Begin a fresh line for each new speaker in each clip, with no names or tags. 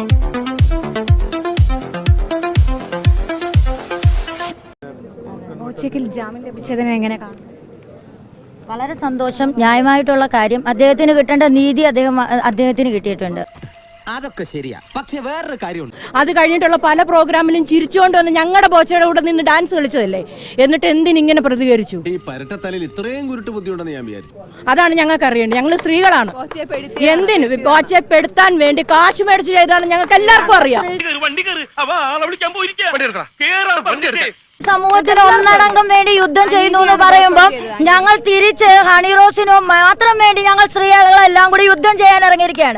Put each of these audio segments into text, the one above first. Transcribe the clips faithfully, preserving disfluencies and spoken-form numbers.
ഓച്ചയ്ക്ക് ജാമ്യം ലഭിച്ചതിനെ എങ്ങനെ കാണും?
വളരെ സന്തോഷം. ന്യായമായിട്ടുള്ള കാര്യം, അദ്ദേഹത്തിന് കിട്ടേണ്ട നീതി അദ്ദേഹം അദ്ദേഹത്തിന് കിട്ടിയിട്ടുണ്ട്.
അതൊക്കെ ശരിയാ, പക്ഷെ വേറൊരു കാര്യമുണ്ട്.
അത് കഴിഞ്ഞിട്ടുള്ള പല പ്രോഗ്രാമിലും ചിരിച്ചുകൊണ്ട് വന്ന് ഞങ്ങളുടെ ബോച്ചയുടെ കൂടെ നിന്ന് ഡാൻസ് കളിച്ചതല്ലേ, എന്നിട്ട് എന്തിനിങ്ങനെ പ്രതികരിച്ചു?
ഈ പരട്ടത്തലയിൽ ഇത്രയും കുരുട്ട് ബുദ്ധിയുണ്ടെന്ന് ഞാൻ വിചാരിച്ചു.
അതാണ് ഞങ്ങൾക്ക് അറിയേണ്ടത്. ഞങ്ങൾ സ്ത്രീകളാണ്. എന്തിന് ബോച്ചപ്പെടുത്താൻ വേണ്ടി കാശ് മേടിച്ച് ചെയ്താണ് ഞങ്ങൾക്ക് എല്ലാവർക്കും അറിയാം.
സമൂഹത്തിന് ഒന്നടങ്കം വേണ്ടി യുദ്ധം ചെയ്യുന്നു എന്ന് പറയുമ്പോൾ ഞങ്ങൾ തിരിച്ച് ഹണിറോസിനോ മാത്രം വേണ്ടി ഞങ്ങൾ സ്ത്രീകളെല്ലാം കൂടി യുദ്ധം ചെയ്യാൻ ഇറങ്ങിയിരിക്കുകയാണ്.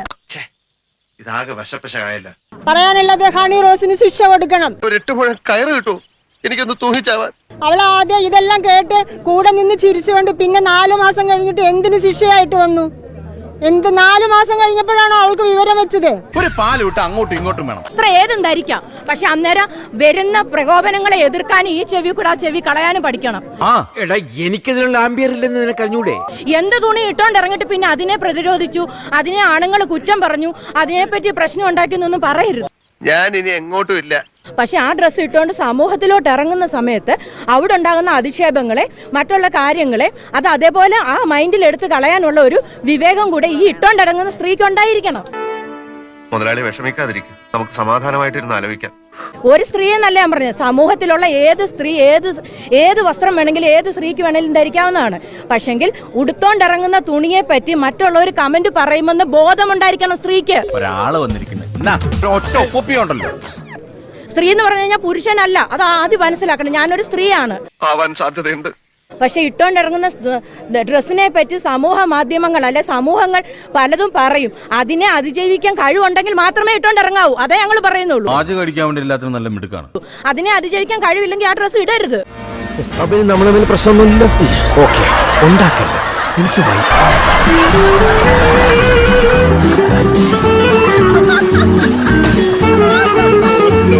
പറയാനുള്ളത് ഹണി റോസിന് ശിക്ഷ കൊടുക്കണം.
കയറ് കിട്ടൂ, എനിക്കൊന്ന് തൂങ്ങിച്ചാവാൻ.
അവൾ ആദ്യം ഇതെല്ലാം കേട്ട് കൂടെ നിന്ന് ചിരിച്ചുകൊണ്ട് പിന്നെ നാലു മാസം കഴിഞ്ഞിട്ട് എന്തിനു ശിക്ഷയായിട്ട് വന്നു? എന്ത് നാലു മാസം കഴിഞ്ഞപ്പോഴാണോ അവൾക്ക് വിവരം വെച്ചത്?
ഒരു പാലൂട്ട് അങ്ങോട്ടും ഇങ്ങോട്ടും വേണം.
അത്ര ഏതും ധരിക്കാം, പക്ഷെ അന്നേരം വരുന്ന പ്രകോപനങ്ങളെ എതിർക്കാൻ ഈ ചെവി കൂടെ ആ ചെവി കളയാനും പഠിക്കണം.
ആ എടാ, എനിക്കതിനുള്ള ആംബിയർ ഇല്ലെന്ന് നിനക്ക് അറിഞ്ഞൂടെ?
എന്ത് തുണി ഇട്ടോണ്ട് ഇറങ്ങിട്ട് പിന്നെ അതിനെ പ്രതിരോധിച്ചു, അതിനെ ആണുങ്ങൾ കുറ്റം പറഞ്ഞു, അതിനെപ്പറ്റി പ്രശ്നം ഉണ്ടാക്കിയെന്നൊന്നും പറയരുത്.
ഞാൻ ഇനി എങ്ങോട്ടും ഇല്ല.
പക്ഷെ ആ ഡ്രസ്സ് ഇട്ടുകൊണ്ട് സമൂഹത്തിലോട്ട് ഇറങ്ങുന്ന സമയത്ത് അവിടെ ഉണ്ടാകുന്ന അധിക്ഷേപങ്ങളെ, മറ്റുള്ള കാര്യങ്ങളെ അത് അതേപോലെ ആ മൈൻഡിൽ എടുത്ത് കളയാനുള്ള ഒരു വിവേകം കൂടെ ഈ ഇട്ടോണ്ടിറങ്ങുന്ന സ്ത്രീക്ക് ഉണ്ടായിരിക്കണം.
മുതലാളി വിഷമിക്കാതിരിക്കും, നമുക്ക് സമാധാനമായിട്ടിരുന്ന് ആലോചിക്കാം.
ഒരു സ്ത്രീ എന്നല്ല ഞാൻ പറഞ്ഞത്, സമൂഹത്തിലുള്ള ഏത് സ്ത്രീ ഏത് ഏത് വസ്ത്രം വേണമെങ്കിലും ഏത് സ്ത്രീക്ക് വേണമെങ്കിലും ധരിക്കാവുന്നതാണ്. പക്ഷെങ്കിൽ ഉടുത്തോണ്ടിറങ്ങുന്ന തുണിയെ പറ്റി മറ്റുള്ളവർ കമന്റ് പറയുമെന്ന് ബോധമുണ്ടായിരിക്കണം സ്ത്രീക്ക്.
ഒരാള് വന്നിരിക്കുന്നത്
സ്ത്രീ എന്ന് പറഞ്ഞു കഴിഞ്ഞാൽ പുരുഷനല്ല, അത് ആദ്യം മനസ്സിലാക്കണം. ഞാനൊരു സ്ത്രീയാണ്.
ആവാൻ സാധ്യതയുണ്ട്.
പക്ഷെ ഇട്ടോണ്ടിറങ്ങുന്ന ഡ്രസ്സിനെ പറ്റി സമൂഹ മാധ്യമങ്ങൾ അല്ലെ സമൂഹങ്ങൾ പലതും പറയും. അതിനെ അതിജീവിക്കാൻ കഴിവുണ്ടെങ്കിൽ മാത്രമേ ഇട്ടോണ്ടിറങ്ങാവൂ. അതേ ഞങ്ങൾ പറയുന്നുള്ളൂ.
നല്ല മിടുക്കാണ്.
അതിനെ അതിജീവിക്കാൻ കഴിവില്ലെങ്കിൽ ആ ഡ്രസ്സ് ഇടരുത്.
നമ്മൾ തമ്മിൽ പ്രശ്നമൊന്നുമില്ല. ഓക്കെ, ഉണ്ടാക്കരുത്. എനിക്ക്